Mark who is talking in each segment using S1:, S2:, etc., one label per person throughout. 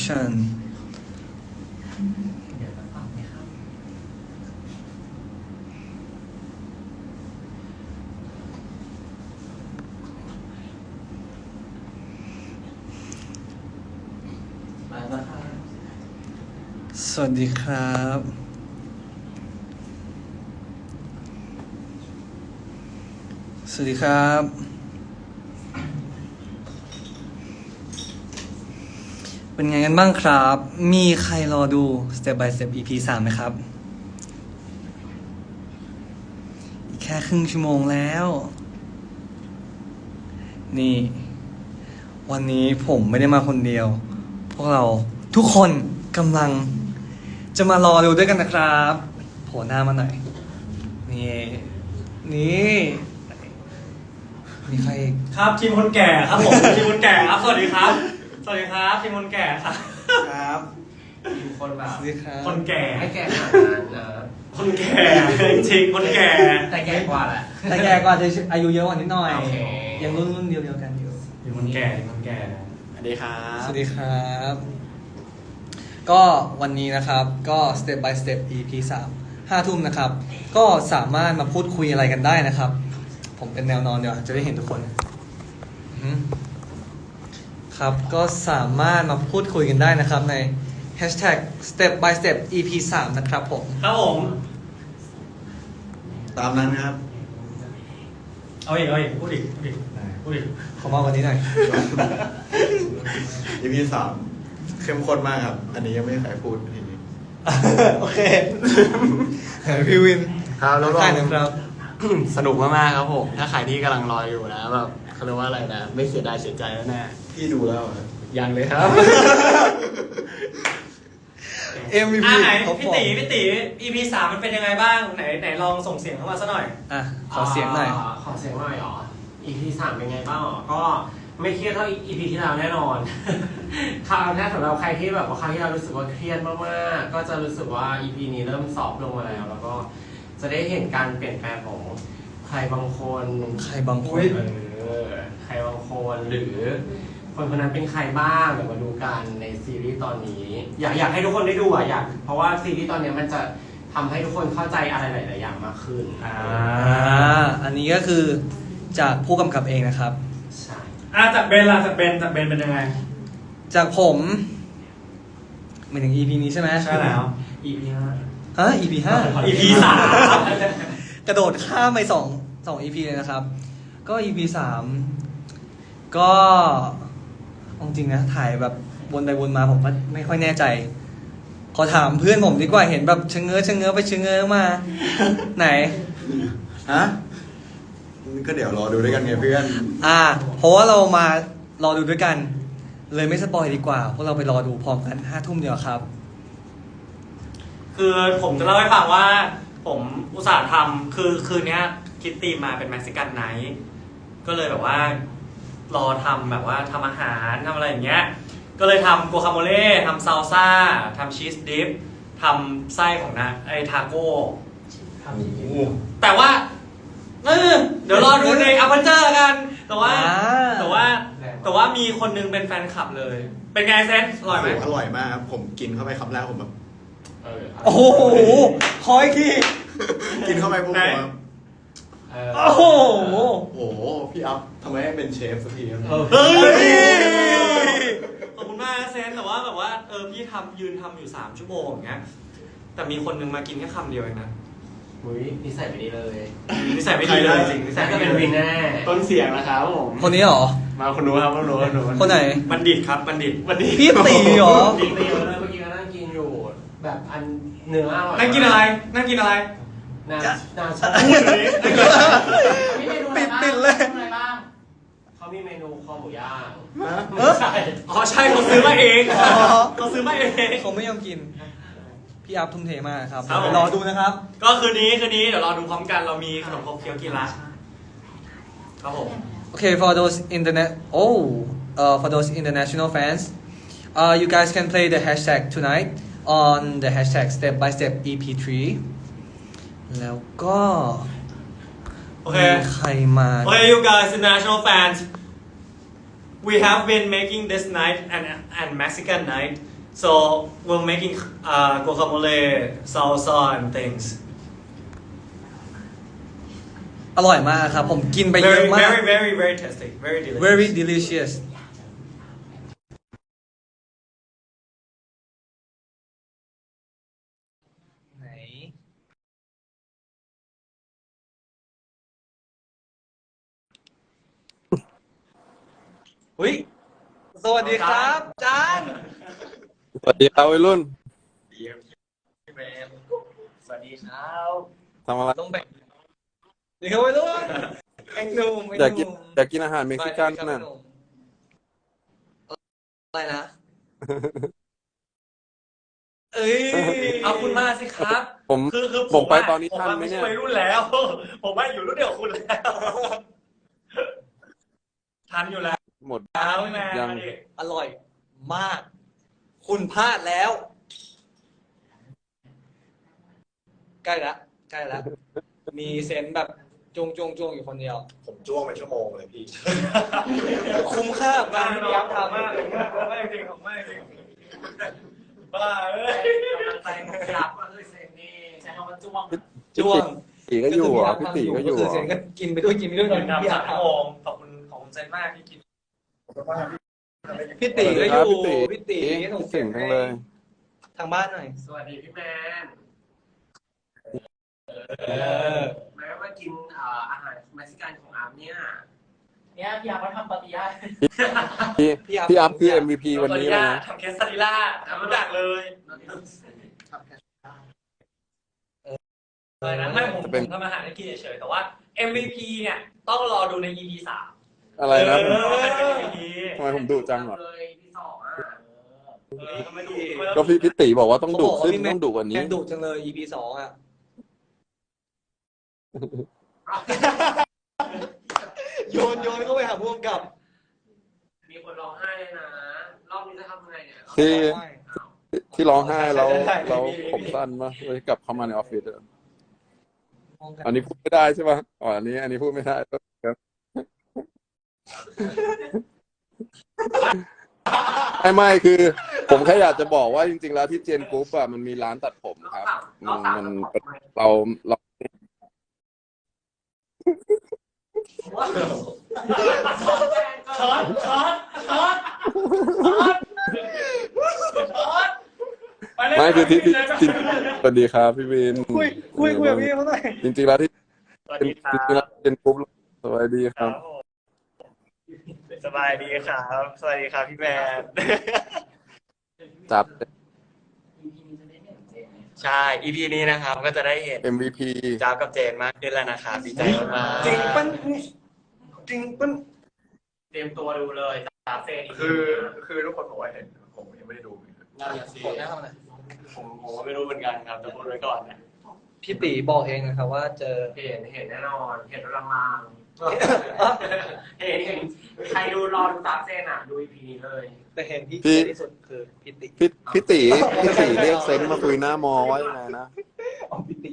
S1: introduction สวัสดีครับ สวัสดีครับ เป็นไงกันบ้างครับ มีใครรอดู Step by Step EP 3ไหมครับ อีกแค่ครึ่งชั่วโมงแล้ว นี่ วันนี้ผมไม่ได้มาคนเดียว พวกเราทุกคนกำลังจะมารอดูด้วยกันนะครับโผล่หน้ามาหน่อย นี่มีใครอีก
S2: ครับทีมคนแก่ครับผม ทีมคนแก่ครับสวัสดีครับ สวัสดีครับทีมคนแก่ครับ
S1: ครับ
S3: ทีมคนแบบ
S1: สวัสดีครับ
S2: คนแก่
S3: ไม่แก่ขนาดนั้นนะ
S2: คนแก่จริงๆคนแก่
S3: แต่แก่กว่าแหละ
S1: แต่แกก็อาจจะอายุเยอะกว่านิดหน่อย
S3: โอเค
S1: ยังรุ่นเดียวกันอยู่
S2: ทีมคนแก่ทีมคนแก่
S3: สวัสดีครับ
S1: สวัสดีครับ ก็วันนี้นะครับก็ Step by Step EP 3 5 ทุ่มนะครับ ก็สามารถมาพูดคุยอะไรกันได้นะครับ ผมเป็นแนวนอนเดี๋ยวจะได้เห็นทุกคนครับก็สามารถมาพูดคุยกันได้นะครับใน Hashtag Step by Step EP 3 นะครับผม
S2: ครับผม
S4: ตามนั้นครับ
S2: เอาอีกพูดอีก
S1: ขอมากกว่านี้หน่อย
S4: EP 3เข้มข้นมากครับ อันนี้ยังไม่มีใครพูดทีนี้
S1: โอเค พี่วิน
S3: ครับแล้วก็
S1: ใช่นะครับ
S3: สนุกมากๆครับผม ถ้าใครที่กำลังรออยู่นะแบบเขาเรียกว่าอะไรนะ ไม่เสียดายเสียใจแล้วแน่
S4: พี่ดูแล้วเหรอ
S3: ยังเลยครับ
S1: MVP
S2: ไหน
S1: ท็อป
S2: พี่
S1: ฟอร์
S2: ตี
S1: ม
S2: พี่ตี EP 3มันเป็นยังไงบ้างไหนลองส่งเสียงเข้ามาซะหน่อย
S1: อ่ะขอเสียงหน่อย
S5: ขอเสียงหน่อยอ๋อ EP 3เป็นไงบ้างอ๋อก็ไม่เครียดเท่า EP ที่แล้วแน่นอน คราวนี้สำหรับใครที่แบบว่าคราวที่เรารู้สึกว่าเครียดมากๆก็จะรู้สึกว่า EP นี้เริ่มซอฟต์ลงมาแล้ว แล้วก็จะได้เห็นการเปลี่ยนแปลงของใครบางคน
S1: ใครบางคน
S5: ใครบางคนหรือคนคนนั้นเป็นใครบ้างเดี๋ยวมาดูกันในซีรีส์ตอนนี้ อยากให้ทุกคนได้ดูอ่ะเพราะว่าซีรีส์ตอนนี้มันจะทำให้ทุกคนเข้าใจอะไรหลายๆอย่างมากขึ้น
S1: อันนี้ก็คือจากผู้กำกับเองนะครับ
S5: ใช่
S2: จากเบนล่ะจากเบนเป็นยังไง
S1: จากผมหมายถึง EP นี้ใช่ไหม
S2: ใช่แล้ว
S5: EP 5
S1: EP 5
S2: EP 3
S1: กระโดดข้ามไปสอง EP เลยนะครับ ก็ EP 3ก็เอาจริงนะถ่ายแบบวนไปวนมาผมก็ไม่ค่อยแน่ใจ ขอถามเพื่อนผมดีกว่าเห็นแบบชะเง้อไปชะเง้อมา ไหน
S4: ฮะ ก็เดี๋ยวรอดูด้วยกันไงเพื่อน
S1: เพราะว่าเรามารอดูด้วยกัน เลยไม่สปอยดีกว่าพวกเราไปรอดูพร้อมกัน5 ทุ่มเดียวครับ
S2: คือผมจะเล่าให้ฟังว่าผมอุตส่าห์ทำคือคืนนี้คิดธีมมาเป็นเม็กซิกันไนท์ก็เลยแบบว่ารอทำแบบว่าทำอาหารทำอะไรอย่างเงี้ยก็เลยทำกัวคาโมเล่ทำซาลซ่าทำชีสดิฟทำไส้ของทาโก้แต่ว่าเดี๋ยวรอดูในอัปเปอร์เจอร์กันแต่ว่ามีคนนึงเป็นแฟนคลับเลย เป็นไงเซนอร่อยไหม
S4: อร่อยมากครับ ผมกินเข้าไปคำแรกผมแบบ
S1: โอ้โหขออีกที
S4: กินเข้าไปปุ๊บผมแบบ
S1: โอ้โห
S4: โอ้โห พี่อัพทำไมไม่เป็นเชฟสักทีครับ
S2: เฮ้ยขอบคุณมากนะเซนแต่ว่าแบบว่าพี่ยืนทำอยู่3 ชั่วโมงอย่างเงี้ยแต่มีคนนึงมากินแค่คำเดียวเองนะ
S5: มุ้ยนิสัยไม่ดีเลย
S2: นิสัยไม่ดีเลยจริงนิสัย
S5: ก็
S2: ไม่
S5: เป็น
S2: ดี
S5: วิน
S2: เลย
S5: แน่
S3: ต้นเสียงนะครับผม
S1: คนนี้เหรอ
S3: มาคุณรู้ครับคุณรู้
S1: คนไหน
S2: บัณฑิตครับบัณฑิต
S1: พี่ตีเหรอ
S5: กินไปเยอะเลยเมื่อกี้ก็นั่งกินอยู่ แบบอันเนื้ออร่อย
S2: นั่งกินอะไรนั่งกินอะไร
S5: นาชา
S2: พูดเลยนั่งกินอะไร
S1: ปิดเลย
S5: เขามีเมนูคอหมูย่าง
S1: ใช่
S2: อ๋อใช่เขาซื้อมาเองเขาซื้อมาเอง
S1: เขาไม่ยอมกิน พี่อัพทุ่มเทมากครับ
S2: ครับผม
S1: รอดูนะครับ
S2: ก็คืนนี้เดี๋ยวรอดูพร้อมกันเรามีขนมครกเคี้ยวกินละครับผม
S1: Okay, for those for those international fans, you guys can play the hashtag tonight on the hashtag Step by Step EP3. แล้วก็
S2: โอเค
S1: มีใครมา
S2: Okay, you guys, international fans, we have been making this night an Mexican night so we're making guacamole salsa and things
S1: อร่อยมากครับ ผมกินไปเยอะ
S2: very
S1: มาก
S2: very very very tasty very delicious
S1: very delicious ไหนอุ้ยสวัสดีครับจาน
S6: สวัสดีครับวัยรุ่น
S2: สวัสดีครับ
S6: ทำอะไร
S1: ต้องแบ่งดีครับไปด้วยแองหนุ่ม
S6: อยากกินอาหารเม็กซิกันน่ะ
S1: อะไรนะ เอ้ย
S2: เอาคุณมาสิครับ
S6: ผม
S2: คือ
S6: ผมไปตอนนี้ทันไหม
S2: ไม่
S6: เนี่
S2: ใช่
S6: ย
S2: วัยรุ่นแล้ว ผมว่าอยู่รุ่นเดียวกับคุณแล้ว ทันอยู่แล้ว
S6: หมด
S2: พี่แมน
S6: ยัง
S2: มาดิ
S1: อร่อยมาก คุณพลาดแล้ว ใกล้ละใกล้ละมีเซนส์แบบจงอยู่คนเดียว
S7: ผมจ้วงไปชั่วโมงเลยพี่
S1: คุ้มค่ากับการที่พี่ยักษ์ทำ
S2: มากเลยไม่จริงของไม่จริงบ้าเอ้ย
S5: ใจครับก็คือเซนนี่ใช้คำว่าจ้วง
S1: จ้วง
S6: ตีก็อยู่เหรอพี่ตีก็อยู่
S1: คื
S6: เหร
S1: เซ
S6: อน
S1: ก็กินไปด้วยพี่
S2: เดิน
S1: ยัก
S2: นำ
S1: ษ์
S2: 3 ชั่วโมงขอบคุณเซนมากที่กิน
S1: พี่ตีก็อยู่
S6: พี่
S1: พี่
S6: ตี
S1: ตีส่งเสี
S6: เก่
S1: ย
S6: ง
S1: ง
S6: จั
S1: ให้
S6: งเลย
S1: ทางบ้านหน่อย
S5: สวัสดีพี่แมน แม้ว่ากินอาหารเม็กซิกันของอาร์มเนี่ยพี่อาร์มเขาทำปาติยา
S6: พี่อัพคือ MVP วันนี้เลยนะ
S2: ทำเคสซาดิล่าทำทุกอย่างเลยอะไรนะไม่ผมทำอาหารให้กินเฉยๆแต่ว่า MVP เนี่ยต้องรอดูใน EP 3
S6: อะไรนะ
S2: MVP
S6: ทำไมผมดุจังเหรอ
S5: เลยที่สองอ่ะ
S2: ทำไมดู
S6: ก็พี่ตีบอกว่าต้องดุขึ้นต้องดุกว่า
S1: แม
S6: นี้
S1: นดุจังเลย EP 2อ่ะ โยนเข้าไปหาผู้กำกับ
S5: มีคนร้องไห้เลยนะ รอบนี้จะทำยังไงเนี่ย
S6: ที่ร้องไห้แล้วผมสั้นปะเลยกลับเข้ามาในออฟฟิศอะอันนี้พูดไม่ได้ใช่ปะอ๋ออันนี้พูดไม่ได้ครับไม่คือ ผมแค่อยากจะบอกว่าจริงๆแล้วที่เจนกรุ๊ปอะมันมีร้านตัดผมครับมันเรา
S2: ช็อต
S6: ไม่คือที่สวัสดีครับพี่วิน
S1: คุยกับพี่เขาหน่อย
S6: จริงๆแล้วที่
S2: สวัส
S6: จ
S2: ดีครั
S6: ริงๆแล้ว
S2: บ
S6: เจนกรุ๊ปสวัสดีครับ
S2: สบายดีครับ สวัสดีครับพี่แมน
S6: จับ
S2: ใช่ EP นี้นะครับก็จะได้เห็น
S6: MVP
S2: จ้าบกับเจนมากขึ้นแล้วนะครับดีใจมากๆ
S1: จริงปั้น
S5: เตรียมตัวดูเลยตาเซน
S7: คือทุกคนบอกว่าเห็นผมยังไม่ได้ดู
S5: นั่นแหละสิ
S1: กดได้ทำอะไร
S2: ผมก็ไม่รู้เหมือนกันครับจะพูดไว้ก่อนนะ
S1: พี่ตีบอกเองนะครับว่าเจอ
S5: เห็นแน่นอน เห็นลางๆเห็นใครดูรอดูตาเซนอ่ะ ดู EP นี้เลย
S1: แต่เห็นที่
S6: พี่
S1: เจอที่สุดคือพี่ตี
S6: พี่ตีเรียกเซนมาคุยหน้ามอว่ายังไงนะ
S1: เอาพี่ตี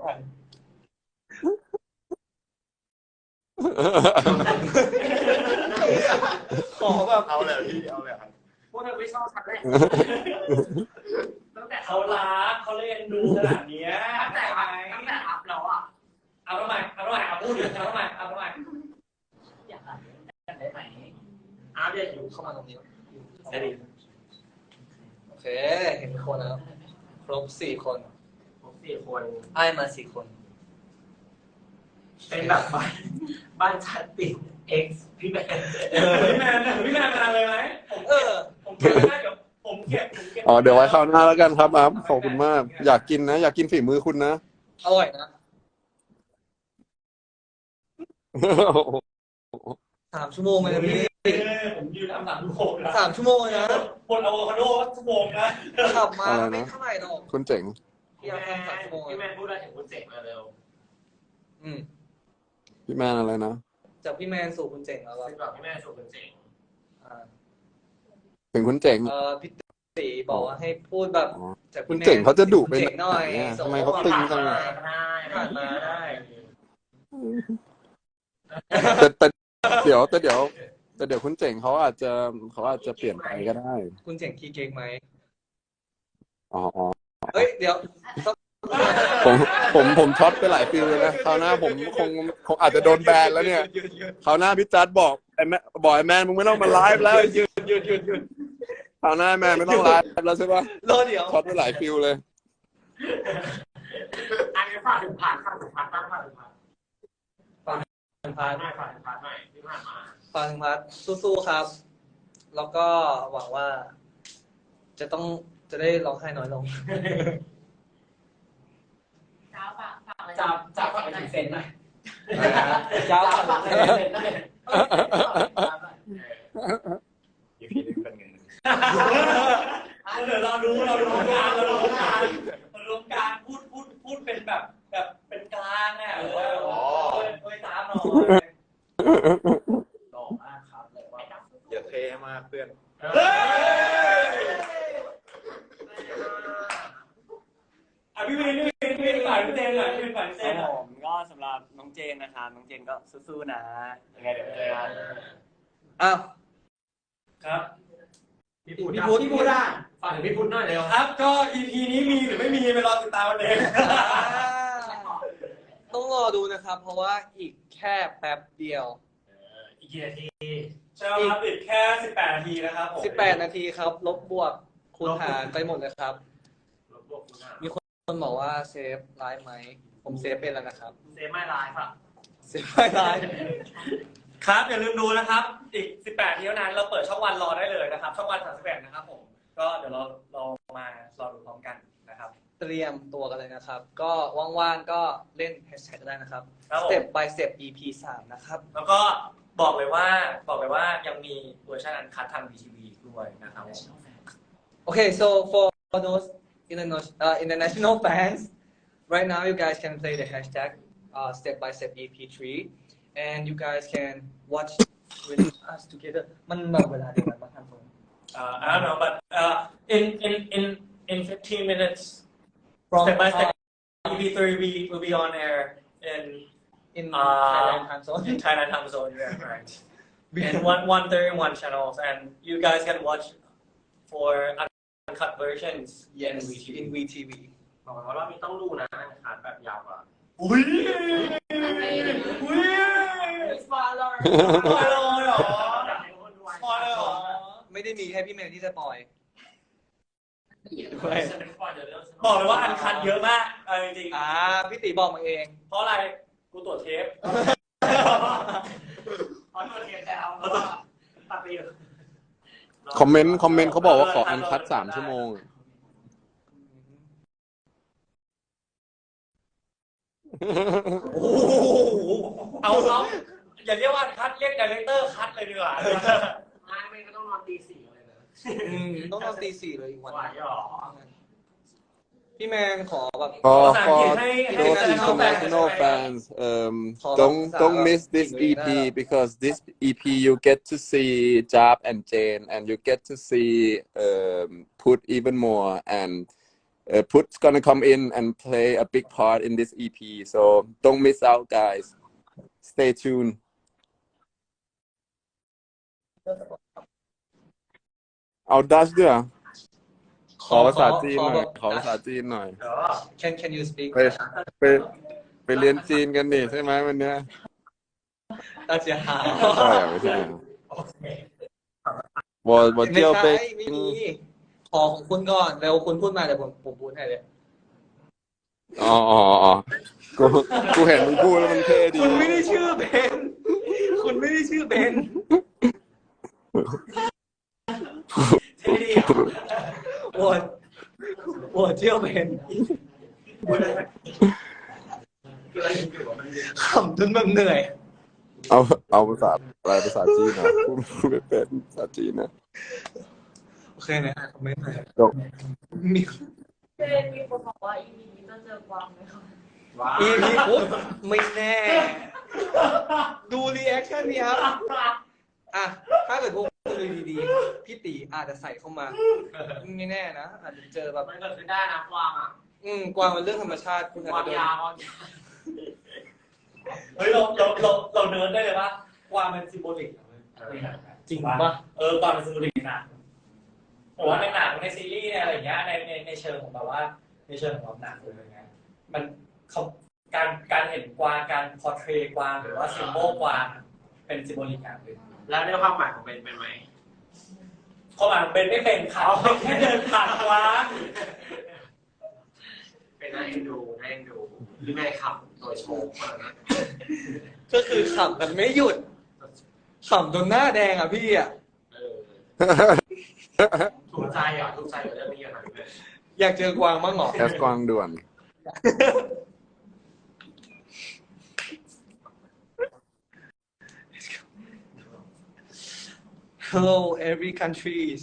S1: ขอแบบ
S7: เอาเลยพี่เอาเลยครับ
S5: พวกเธอไม่ชอบฉันเลยตั้งแต่
S2: เขารักเขาเล่นดูขนาดเนี้ย
S5: ตั้งแต่อัพแล้วอ่ะ
S2: เอาทำไมเอาพูดถึงเอาทำไม
S5: อยากอ่านกันได้ไหมอัพเดตอยู่
S1: เข้ามาตรงนี้
S2: สวัสดี
S1: โอเค เห็นคนแล้วครบ4 คน
S5: ผม4 คน
S1: ไอ้มา4 คน
S5: เป็นแบบบ้านชัดติด X พี่แมน
S2: พี่แมนมาเลยไหม
S1: เออ
S2: ผมเก็บได้เดี๋ยวผมเก็บ
S6: อ๋อเดี๋ยวไว้คราวหน้าแล้วกันครับอัพขอบคุณมาก อยากกินนะ อยากกินฝีมือคุณนะ
S1: อร่อยนะ3 ชั่วโมงเลยนะพี่
S2: ผมยืนทำ3 ชั่วโมงนะ
S1: 3 ชั่วโมงเลยนะ
S2: คนอะโวคาโดชั่วโมงนะ
S1: ขับมา
S6: อะไรนะ
S1: ไม่เท่าไหร่หรอก
S6: คุณเจ๋ง
S1: พี่ยังทำ3 ชั่วโมง
S5: พี่แมนพูดอะไรถึงคุณเจ๋งมาเร็ว
S1: อืม
S6: พี่แมนอะไรนะ
S1: จากพี่แมนสู่คุณเจ๋งแล้ว
S5: ซึ่งแบบพี่แมนสู่คุณเจ๋ง
S6: ถึงคุณเจ๋ง
S1: พี่ตีบอกว่าให้พูดแบบ
S6: อ๋อ
S1: จาก
S6: คุ
S1: พี่
S6: ณ
S1: แมน
S6: เจ๋งเขาจะดุไป
S1: เจ๋งหน่อย
S6: ไหนอะ
S1: ส่
S6: ทำไมเขาตึงจังอะ
S1: ผ่านมาได้
S6: แต่เดี๋ยวคุณเจ๋งเขาอาจจะเปลี่ยนไปก็ได้
S1: คุณเจ๋งขี้เก๊กไหม
S6: อ๋อ
S1: เฮ้ย เดี๋ยว
S6: ผมช็อตไปหลายฟิลเลยนะคราวหน้าผมคงอาจจะโดนแบนแล้วเนี่ยคราวหน้าพี่จัดบอกไอ้แม่บอกไอ้แมนมึงไม่ต้องมาไลฟ์แล้วหยุดคราวหน้าแมนไม่ต้องไลฟ์แล้วใช่ปะ
S1: รอเดี๋ยว
S6: ช็อตไปหลายฟิลเลย
S5: อันนี้ฝากถึงผ่านบ้างฝากถึงผ่าน
S1: พาร์ท
S5: หน่อยฝากถึงผ่านหน่อยที่ผ่านมา
S1: พาร์ทสู้ๆครับ แล้วก็หวังว่า จะได้ร้องไห้น้อยลง
S5: จับฝากไปถึงเซนหน่อย
S1: จ้า
S5: ฝากไปถึงเซนหน่อย
S7: อีพีนี้เป็นไง
S2: เดี๋ยวเรารู้การพูดเป็นแบบเป็นกลางเนี่ยโดยตามหน่อยหล่อมากครับเลยว่า
S7: อย่าเทมากเพื่อน
S2: พี่วินฝ่ายพี่เจนหน่อยพี่ฝ่ายพี่เจนหน่อย
S8: ผมก็สำหรับน้องเจนนะครับน้องเจนก็สู้ๆนะยังไงเดี๋ยวเจอกัน
S1: อ้าว
S2: ครับ
S5: พี่พูดได้ฝากถึงพี่พูดหน่อยเร็ว
S2: ครับก็ EP นี้มีหรือไม่มีไปรอติดตามกันเอง
S1: ต้องรอดูนะครับ เพราะว่าอีกแค่แป๊บเดียว
S5: อีกกี่นาที
S2: ใช่ครับติดแค่18 นาทีนะครับผม
S1: 18 นาทีครับ ลบบวกคูณหารไปหมดเลยครับ มีคนบอกว่าเซฟไลฟ์ไหม ผมเซฟเป็นแล้วนะครับ
S5: เซฟไม่ไลฟ์อ่ะ
S1: เซฟไม่ไลฟ์
S2: ครับอย่าลืมดูนะครับ อีก18ทีเท่านั้นเราเปิดช่องวันรอได้เลยนะครับ ช่องวัน31นะครับผมก็เดี๋ยวเรามารอดูพร้อมกันนะครับ
S1: เตรียมตัวกันเลยนะครับ ก็ว่างๆก็เล่นแฮชแท็กก็ได้นะครับ
S2: ครับผม
S1: Step by Step EP 3 นะครับ
S2: แล้วก็บอกเลยว่ายังมีเวอร์ชันอันคัดทาง VTV ด้วยนะครับ
S1: Okay, so for those international fans, right now you guys can play the hashtag Step by Step EP3, and you guys can watch with us together. มันแบบเวลาเดียวกันปะท่านผู้ชม
S2: I don't know but in 15 minutes step by step EP3 will be on air
S1: in Thailand time zone.
S2: in Thailand time zone yeah right and 131 channels and you guys can watch for uncut versions
S1: Yes,
S2: in VTV.
S1: in VTV.
S5: บอกเลยว่ารอบนี้ต้องดูนะขาดแบบยาวกว่า
S2: อุ้ยสปอยเลยเหรอสปอยเลยเหรอ
S1: ไม่ได้มีแค่พี่เมย์ที่จะปล่อย
S2: บอกเลยว่าอันคัดเยอะมากจริง
S1: พี่ตีบอกมาเอง
S2: ๆเพราะอะไรกูตรวจเทป
S5: ขอตัวเทียนแล้วแล้วก็ตัดไปอยู่
S6: คอมเมนต์เขาบอกว่าขออันคัด3 ชั่วโมง
S2: โอ้โหเอาอย่าเรียกว่าคัดเรียกไดเรคเตอร์คัดเลยดีกว่า
S5: ไม่ก็ต้องนอนตี 4เลยนะ
S1: ต้องนอนตี 4เลยอีกวัน
S5: ไหวหรอ
S1: พี่แมนขอแบบ
S6: For
S2: ภาษาอังกฤษให้
S6: those
S2: international
S6: international fans,
S1: Call
S6: don't
S1: up
S6: miss this
S1: Singapore
S6: EP because this EP you get to see Jab and Jane and you get to see Put even more and Put's gonna come in and play a big part in this EP. So don't miss out, guys. Stay tuned. เอาดัชด้วยเหรอขอภาษาจีนหน่อยขอภาษาจีนหน่อย
S1: Can you speak
S6: ไปเรียนจีนกันดิใช่ไหมวันเนี้ย
S1: 大家好
S6: ใช่ไม่ใช่我就被
S1: ไม่มีขอของคุณก่อนเร็วคุณพูดมาเดี๋ยวผมพูดให้เลย
S6: อ๋อกูเห็นมึงพูดแล้วมันเท่ดี
S1: คุณไม่ได้ชื่อเบนคุณไม่ได้ชื่อเบน我叫เบนขำจนแบบเหนื่อย
S6: เอาภาษาอะไรภาษาจีนนะพูดไม่เป็นภาษาจีนนะ
S1: โอเคนะคอมเมนต์หน่อย
S6: จบ
S1: มี
S9: มีคนบอกว่า EP นี้จะเจอกวางไหมคะ
S1: EP ปุ๊บไม่แน่ ดูรีแอคชั่นนี้ครับอ่ะถ้าเกิดพวกคุณดูดีๆพี่ตีอาจจะใส่เข้ามาไม่แน่นะอาจจะเจอแบบ
S5: มันเกิดขึ้นได้นะกวางอ่ะ
S1: กวางเป็นเรื่องธรรมชาติคุณอาจ
S5: กวาง
S1: จะโดน
S5: ยาว
S2: เฮ้ยเราเนิร์ดได้เลยปะกวางเป็นซิมโบลิก
S1: จริงปะ
S2: กวางเป็นซิมโบลิกนะผมว่าในหนังในซีรีส์ในอะไรอย่างเงี้ยในเชิงของแบบว่าในเชิงของแบบหนังอะไรเงี้ยมันเขาการเห็นกวางการพอร์เทรตกวางหรือว่าซิมโบลกวางเป็นซิมโบลิกอย่างหนึ่ง
S5: แล้วในความหมายของเป็นไหม
S2: เขาอ่านเป็นไม่เป็นค่ะแค่เดินผ่านกวาง
S5: เป็นน่าเอ็นดูหรือไงครับโดยโชว์มานะ
S1: ก็คือขำกันไม่หยุดขำจนหน้าแดงอ่ะพี่อ่ะ
S5: ถูกใจกับเรื่องนี้อย่างไร
S1: อยากเจอกวางบ้างเหรอ
S6: แคสกวางด่วน
S1: Hello every countries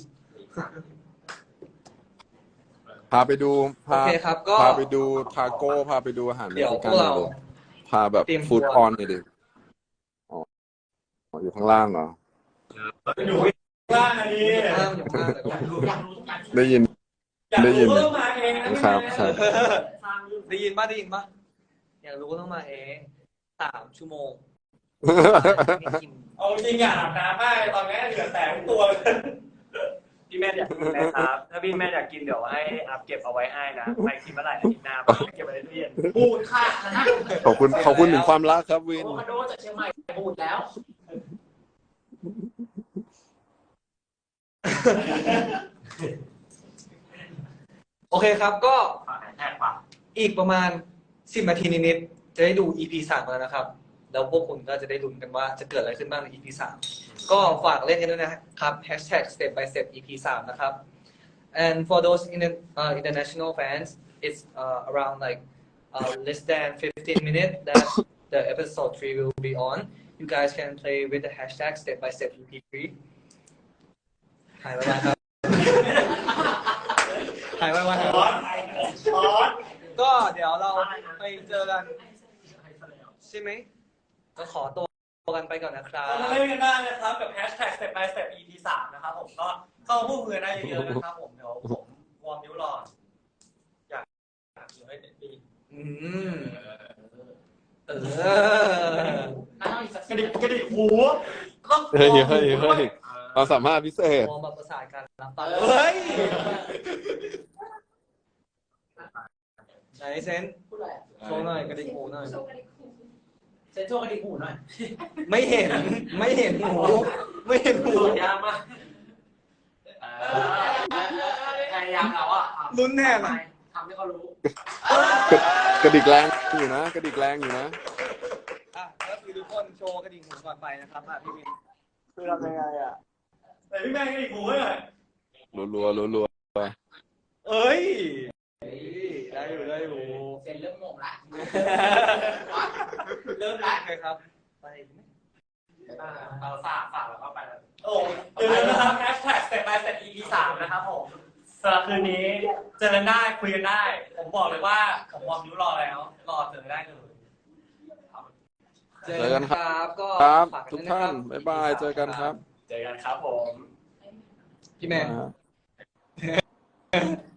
S6: พาไปดู
S1: โอเคครับก็
S6: พาไปดูทาโก้พาไปดูอาหารเม็
S1: เดี๋ยว
S6: กซิ
S1: พ
S6: กั
S1: วน กเรา
S6: พาแบบ
S1: เตรียมตัว
S6: ฟู้ดออนเลยดิอ๋ออยู่ข้างล่างเหรอ
S2: อยู่ข้างอันนี้
S1: ห้ามอยู่ข้างแต่ก็
S5: อยากรู้กัน
S6: ได้ยิน
S2: อยาก
S6: ได้ยิน
S2: รู้ก็มาเองนะครับ
S6: ครับ
S1: ได้ยินป่ะอยากรู้ก็ต้องมาเอง3 ชั่วโมงไม่กิน
S2: เอาจริงอ่ะอาบน้ำมากเลยตอนนี้เหลือแต่ทั้งตัวเลย
S8: พี่แม่อยากกินไหมครับ ถ้าพี่แม่อยากกินเดี๋ยวให้อัพเก็บเอาไว้ให้นะไปกินเมื่อไหร่อาทิตย์หน้าไปเก็บไว้ในตู้เย็น
S5: บูดค่ะนะ
S6: ขอบคุณถึงความรักครับวิน
S5: โอคาโดจากเชียงใหม่บูดแล้ว
S1: โอเคครับก็
S5: แท็กป่ะ
S1: อีกประมาณ10 นาทีนิดๆจะได้ดู EP 3แล้วนะครับ แล้วพวกคุณก็จะได้ลุ้นกันว่าจะเกิดอะไรขึ้นบ้างใน EP 3ก็ฝากเล่นกันด้วยนะครับ #step by step EP 3นะครับ and for those international fans it's around like less than 15 minutes that the episode 3 will be on you guys can play with the #step by step EP 3หายไปแล้วครับหายไปวันครับก็เดี๋ยวเราไปเจอกันใช่ไหมก็ขอตัวกันไปก่อนนะครับ
S2: ก็มาเล่นกันได้นะครับกับ #step by step EP 3นะครับผมก็เข้าพูดคุยกันได้เยอะๆนะครับผมเดี๋ยวผมวอร์มนิ้วรออยากอยู่ให้ดี
S1: อืม
S2: กระดิกหูต้อง
S6: เฮ้ยความสามารถพิเศษ
S1: มองมาประสานกันรับฟังเฮ้ยไหนเซนโชว์หน่อยกระดิกหูหน่อย
S5: เซ็นโชว์กระดิกหูหน่อย
S1: ไม่เห็นหูไม่เห็นหู
S5: ยากมากพยายามแล้วอ่ะ
S1: ลุ้นแน่เลย
S5: ทำให้เขารู้
S6: กระดิกแรงอยู่นะกระดิกแรงอยู่นะ
S1: อ่ะก็คือทุกคนโชว์กระดิ่งหูก่อนไปนะครับพี่วินคือทำยังไงอ่ะ
S2: แต่พี่แม่งกระดิกหูให้หน่อย
S6: รัวไป
S1: เอ้ยได้อยู่
S5: เซ็นเริ่มงงละ
S1: เริ่มรักเลยครับไป
S5: เอาฝากแล้วก็ไปแล้ว
S2: โอ้อย่าลืมนะครับ #step by step EP 3นะครับผมสำหรับคืนนี้เจอกันได้คุยกันได้ ผมบอกเลยว่าผมวอร์มนิ้วรอแล้วรอเจอได้เลย
S1: เจอกันครับก็
S6: ครับ
S1: ฝาก
S6: ทุก
S1: ด้วยะ
S6: ท่าน
S1: ครับ
S6: บ๊ายบายเจอกันครับ
S8: เจอกันครับผม
S1: พี่แมน